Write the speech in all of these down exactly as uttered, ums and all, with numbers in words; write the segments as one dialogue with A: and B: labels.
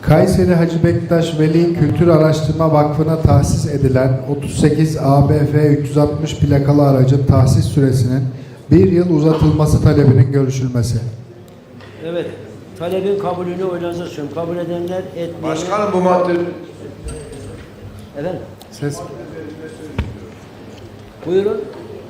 A: Kayseri Hacı Bektaş Veli Kültür Araştırma Vakfı'na tahsis edilen otuz sekiz A B F üç yüz altmış plakalı aracın tahsis süresinin bir yıl uzatılması talebinin görüşülmesi.
B: Evet. Talebin kabulünü oylarınıza sunuyorum. Kabul edenler, etmeyenler...
C: Başkanım bu madde...
B: Efendim?
A: Ses.
B: Buyurun.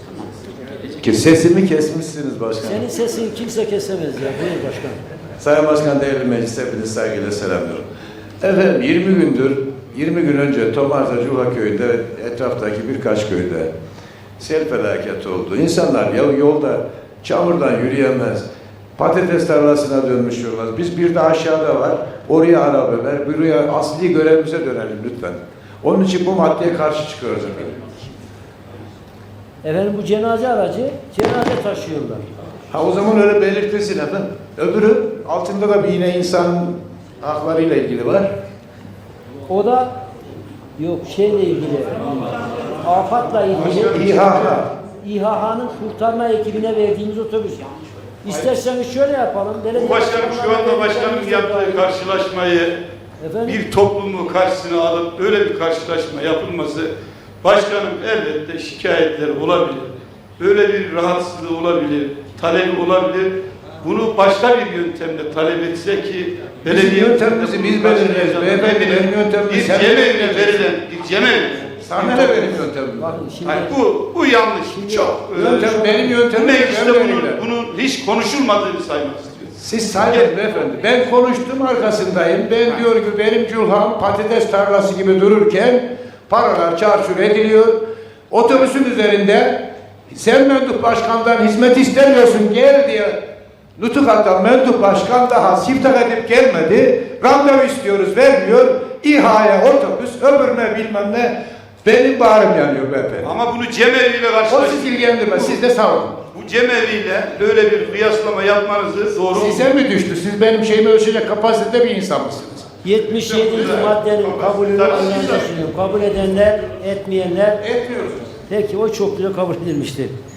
C: Ki sesimi kesmişsiniz başkanım.
B: Senin sesini kimse kesemez ya. Buyur başkan.
C: Sayın Başkan, değerli meclis, hepinizi saygıyla selamlıyorum. Efendim yirmi gündür, yirmi gün önce Tomarza Cula köyünde, etraftaki birkaç köyde sel felaketi oldu. İnsanlar ya yolda çamurdan yürüyemez, patates tarlasına dönmüş yollar. Biz bir de aşağıda var, oraya araba ver, buraya asli görevimize dönelim lütfen. Onun için bu maddeye karşı çıkıyoruz efendim.
B: Efendim bu cenaze aracı, cenaze taşıyorlar.
C: Ha o zaman öyle belirtilsin efendim. Öbürü altında da bir yine insan haklarıyla ilgili var.
B: O da yok şeyle ilgili, afatla ilgili.
C: İHA.
B: İHA'nın kurtarma ekibine verdiğimiz otobüs. İsterseniz şöyle yapalım.
D: Bu başkanım şu anda başkanın yaptığı karşılaşmayı
B: Efendim?
D: bir toplumu karşısına alıp böyle bir karşılaşma yapılması, başkanım elbette şikayetler olabilir. Böyle bir rahatsızlığı olabilir, talebi olabilir. Bunu başka bir yöntemle talep etse ki belediye
C: yöntemimizi biz belirleriz. Beyefendi benim yöntemimi
D: bir
C: sen
D: cemevine
C: belirleyeceksin.
D: verilen bir cemevine.
C: Sana ne benim yöntemim?
B: Bakın şimdi,
D: Hayır, bu bu yanlış. Çok
C: Yöntem benim
D: Bu
C: yöntemim.
D: mecliste
C: ben
D: bunun,
C: belirlerim.
D: bunun hiç konuşulmadığını saymak istiyorum.
C: Siz sayın beyefendi. Ben konuştum arkasındayım. Ben diyor ki benim Culhan patates tarlası gibi dururken paralar çarçur ediliyor. Otobüsün üzerinde sen mendup başkandan hizmet istemiyorsun gel diye nutuk atan mendup başkan daha siptak edip gelmedi. Randevu istiyoruz vermiyor. İHA'ya otobüs öbürüne bilmem ne. Benim bağrım yanıyor beyefendi.
D: Ama bunu cemeviyle
C: O
D: karşılaştırmak.
C: sizi ilgilendirmez. Siz de sağ olun.
D: Bu cemeviyle böyle bir kıyaslama yapmanızı doğru mu?
C: Size mi düştü? Siz benim şeyimi ölçecek kapasitede bir insan mısınız?
B: yetmiş yedinci maddenin kabulünü oylarınıza sunuyorum. Kabul edenler, etmeyenler.
C: Etmiyoruz.
B: Peki o çokluğuyla kabul edilmiştir.